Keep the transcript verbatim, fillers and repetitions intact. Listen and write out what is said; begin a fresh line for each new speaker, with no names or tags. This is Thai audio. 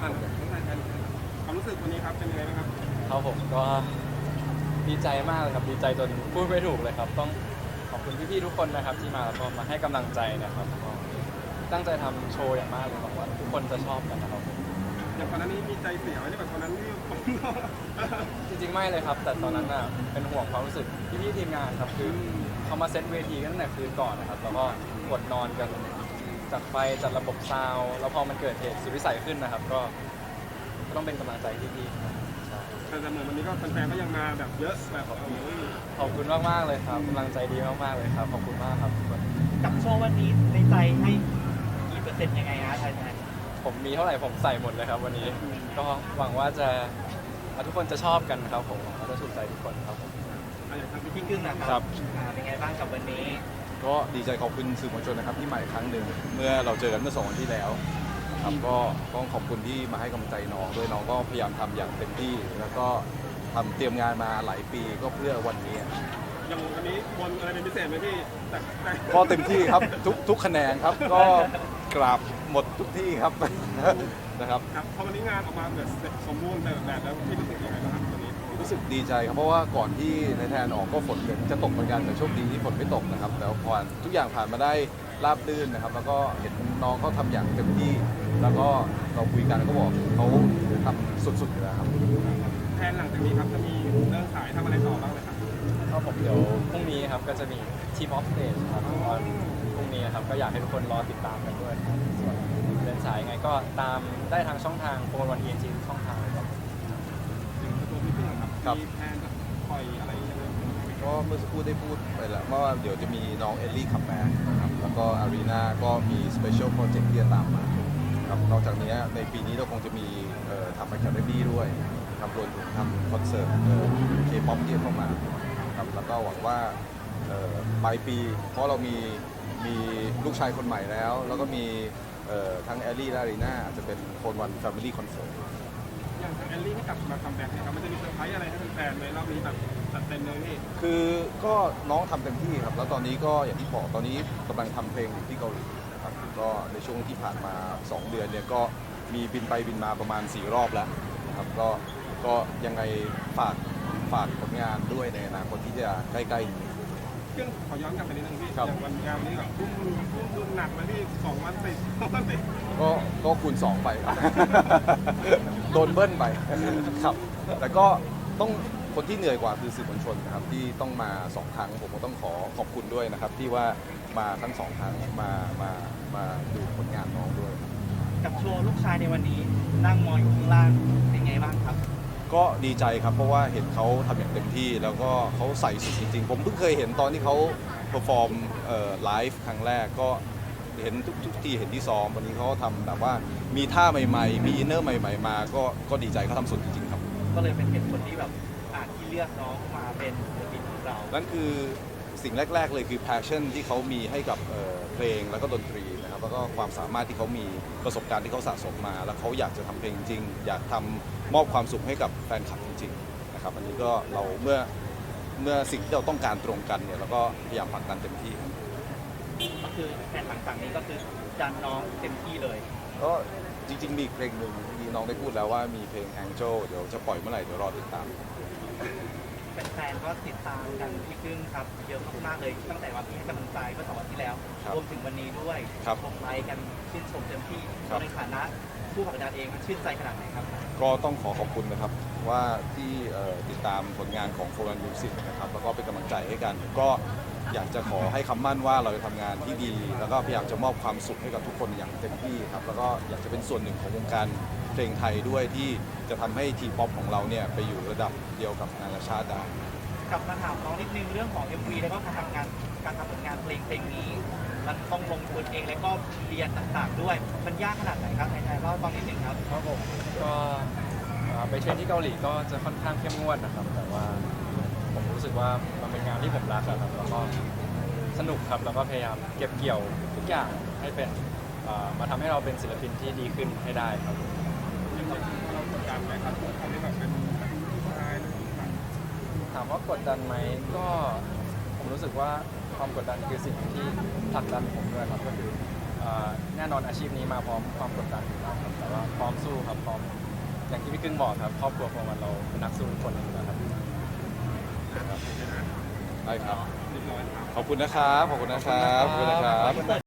อ่านทั้งรายการความรู้สึกวันนี้ครับเป็นยังไงบ้างครับ
ครับผมก็ดีใจมากเลยครับดีใจจนพูดไม่ถูกเลยครับต้องขอบคุณพี่ๆทุกคนนะครับที่มาแล้วก็มาให้กำลังใจนะครับก็ตั้งใจทำโชว์อย่างมากเลยหวังว่าทุกคนจะชอบกันนะครับผม
อย่างก่อนหน้านี้มีใจเสียไหมที่แบบตอนนั้นที่ผม
จริงๆไม่เลยครับแต่ตอนนั้นน่ะเป็นห่วงความรู้สึกพี่ๆทีมงานครับคือเขามาเซตเวทีกันตั้งแต่คืนก่อนนะครับแล้วก็กดนอนกันจัดไฟจัดระบบซาวด์แล้วพอมันเกิดเหตุสุดวิสัยขึ้นนะครับก็ก็ต้องเป็นกำลังใจที่พี่ครับใช่
แต่เหมือนวันนี้ก็แฟนๆก็ยังมาแบบเยอะแบบโอ้ย
ขอบคุณมากๆเลยครับกำลังใจดีมากๆเลยครับขอบคุณมากครับทุกคน
กับโชว์วันนี้ในใจให้กี่เปอร์เซ็นต์ยังไงฮะไทยแทน
ผมมีเท่าไหร่ผมใส่หมดเลยครับวันนี้ก็หวังว่าจะทุกคนจะชอบกันครับผมหวังว่าจะถูกใจทุกคนครับผม
อะไรอย่างทางพี่
พี่กึ้งนะค
ครั
รับ อ่าเป็นไงบ้างกับวันนี้
ก็ดีใจขอบคุณสื่อมวลชนนะครับที่มาอีกครั้งหนึ่งเมื่อเราเจอกันเมื่อสองวันที่แล้วนะครับก็ต้องขอบคุณที่มาให้กำลังใจน้องด้วยน้องก็พยายามทำอย่างเต็มที่แล้วก็ทำเตรียมงานมาหลายปีก็เพื่อวันนี้
อย่างวันนี้บนอะไรเป็นพิเศษไหมพี่แต่แต่
ก็เต็มที่ครับทุกทุกคะแนนครับก็กราบหมดทุกที่ครับ นะครับ
ครับพอวันนี้งานออกมาแบบสมบูรณ์แบบแบบแล้วพี่รู้สึกยังไงบ้างครับวันนี้
รู้สึกดีใจครับเพราะว่าก่อนที่ในแทนออกก็ฝนจะตกเหมือนกันแต่โชคดีที่ฝนไม่ตกนะครับแล้วพอทุกอย่างผ่านมาได้ราบรื่นนะครับ แล้วก็เห็นน้องเขาทำอย่างเต็มที่ แล้วก็เราคุยกันก็บอกเขาทำสุดๆอยู่แล้วครับ
แทนหลังจากนี้ครับจะมีเรื่องขายทำอะไรต่อบ้างไหมครับ
ก็ผมเดี๋ยวพรุ่งนี้ครับก็จะมีทีมออฟสเตจครับตอนพรุ่งนี้ครับก็อยากให้ทุกคนรอติดตามกันด้วยครับส่วนเดินสายยังไงก็ตามได้ทางช่องทางโฟนวันเอ็นจีช่องทางเลยครับ
ถึงตัวพี่เพื่อนครับ
ครับ
มีแทนจะปล่อยอะไรยังไง
ก็เมื่อสักครู่ได้พูดไปแล้วว่าเดี๋ยวจะมีน้องเอลลี่คัมแบ็กนะครับแล้วก็อารีนาก็มีสเปเชียลโปรเจกต์ที่จะตามมาครับนอกจากนี้ในปีนี้เราคงจะมีเอ่อทำอะคาเดมี่ด้วยทำรวมถึงทำคอนเสิร์ตเคป๊อปที่จะเข้ามาครับแล้วก็หวังว่าเอ่อปลายปี เพราะเรามีมีลูกชายคนใหม่แล้ว แล้วก็มีเอ่อทั้งเอลลี่และอารีนาอาจจะเป็นโฟนวันแฟมิลี่คอนเสิร์ต
อย่างทางแอลลี่ที่กลับมาคัมแบ็กเนี่ยครับมันจะมีเซอร์ไพรส์อะไรให้แฟนๆไหมรอบนี้แบบจัดเต็มเลยพี่
คือก็น้องทำเต็มที่ครับ แล้วตอนนี้ก็อย่างที่บอกตอนนี้กำลังทำเพลงอยู่ที่เกาหลีนะครับก็ในช่วงที่ผ่านมา สอง เดือนเนี่ยก็มีบินไปบินมาประมาณ สี่ รอบแล้วนะครับก็ก็ยังไงฝากฝากผลงานด้วยในอนาคตที่จะใกล้ๆนี้
เครื่องขอย้อนกลับไปนิดนึงพี่
ครับ
อย่างวันงานวันนี้แบบทุ่มทุ่มทุ่มหนักเลยพี่สองวันติดสองวันติด
ก็ก็คูณสองไปครับ โดนเบิ้ลไปครับ แต่ก็ต้องคนที่เหนื่อยกว่าคือสื่อมวลชนนะครับที่ต้องมาสองครั้งผมก็ต้องขอขอบคุณด้วยนะครับ ที่ว่ามาทั้งสองครั้งมามามาดูผลงานน้องด้วย
กับโชว์ลูกชายในวันนี้นั่งมองอยู่ข้างล่างเป็นไงบ้างครับ
ก็ดีใจครับเพราะว่าเห็นเขาทำอย่างเต็มที่ แล้วก็เขาใส่สุดจริงๆ ผมเพิ่งเคยเห็นตอนที่เขาเพอร์ฟอร์มไลฟ์ครั้งแรกก็เห็นทุกทุกที่เห็นที่ซ้อมวันนี้เขาทำแบบว่ามีท่าใหม่ๆ มีอินเนอร์ใหม่ๆมาก็ก็ดีใจเขาทำสุดจริงๆครับ
ก็เลยเป็นเหตุผลที่แบบอ่าที่เลือกน้องมาเป็นศิลปินของเรา
นั่นคือสิ่งแรก ๆ เลยคือ passion ที่เขามีให้กับเอ่อเพลงแล้วก็ดนตรีนะครับแล้วก็ความสามารถที่เขามีประสบการณ์ที่เขาสะสมมา แล้วเขาอยากจะทำเพลงจริงอยากทำมอบความสุขให้กับแฟนคลับจริงๆนะครับอันนี้ก็เราเมื่อเมื่อสิ่งที่เราต้องการตรงกันเนี่ยเราก็พยายามผลักดันเต็มที่ครับ
ก็คือแผนหลังจากนี้ก็คือดันน้องเต็มที่เลย
ก็จริงๆมีอีกเพลงหนึ่งที่น้องได้พูดแล้วว่ามีเพลง Angel เดี๋ยวจะปล่อยเมื่อไหร่เดี๋ยวรอติดตาม
แฟนๆก็ติดตามกันพี่กึ้งครับเยอะมากๆเลยตั้งแต่วันที่ให้กำลังใจเมื่อสองวันที่แล้ว
ครับ
รวมถึงวันนี้ด้วย
ครับ
ชมไลค์กันชื่นชมเต็มที่
ครับ
ในฐานะผู้ผลักดันเองมันชื่นใจขนาดไหนครับ
ก็ต้องขอขอบคุณนะครับว่าที่เอ่อติดตามผลงานของโฟร์ มิวสิกนะครับแล้วก็เป็นกำลังใจให้กัน ก็อยากจะขอให้คำมั่นว่าเราจะทำงานที่ดี แล้วก็พยายามจะมอบความสุขให้กับทุกคนอย่างเต็มที่ครับแล้วก็อยากจะเป็นส่วนหนึ่งของวงการเพลงไทยด้วยที่จะทำให้ทีป๊อปของเราเนี่ยไปอยู่ระดับเดียวกับนานาชาติได้
กลับมาถามน้องนิดนึงเรื่องของ เอ็ม วี แล้วก็การทำงานการทำผลงานเพลงเพลงนี้ มันต้องลงทุนเองแล้วก็เรียนต่างๆ ด้วย มันยากขนาดไหนครับไหนๆเล่าตอนนิดนึงครับ
ครับผมก็เอ่อไปเทรนที่เกาหลีก็จะค่อนข้างเข้มงวดนะครับ แต่ว่าผมรู้สึกว่ามันเป็นงานที่ผมรักอะครับแล้วก็สนุกครับแล้วก็พยายามเก็บเกี่ยวทุกอย่างให้เป็นเอ่อมาทำให้เราเป็นศิลปินที่ดีขึ้นให้ได้ครับ
เรากดดันไหมครับคนที่แบบเป็นผู้ชายหรือผู้หญิง
ถามว่ากดดันไหมก็ผมรู้สึกว่าความกดดันคือสิ่งที่ผลักดันผมด้วยครับก็คือเอ่อแน่นอนอาชีพนี้มาพร้อมความกดดันอยู่แล้วครับแต่ว่าพร้อมสู้ครับพร้อมอย่างที่พี่กึ้งบอกครับครอบครัวของมันเราเป็นนักสู้ทุกคนอยู่แล้วครับ
ได้ครับ
เรียบร้อยครับ
ขอบคุณนะครับ ขอบคุณนะครับ ขอบคุณนะครับ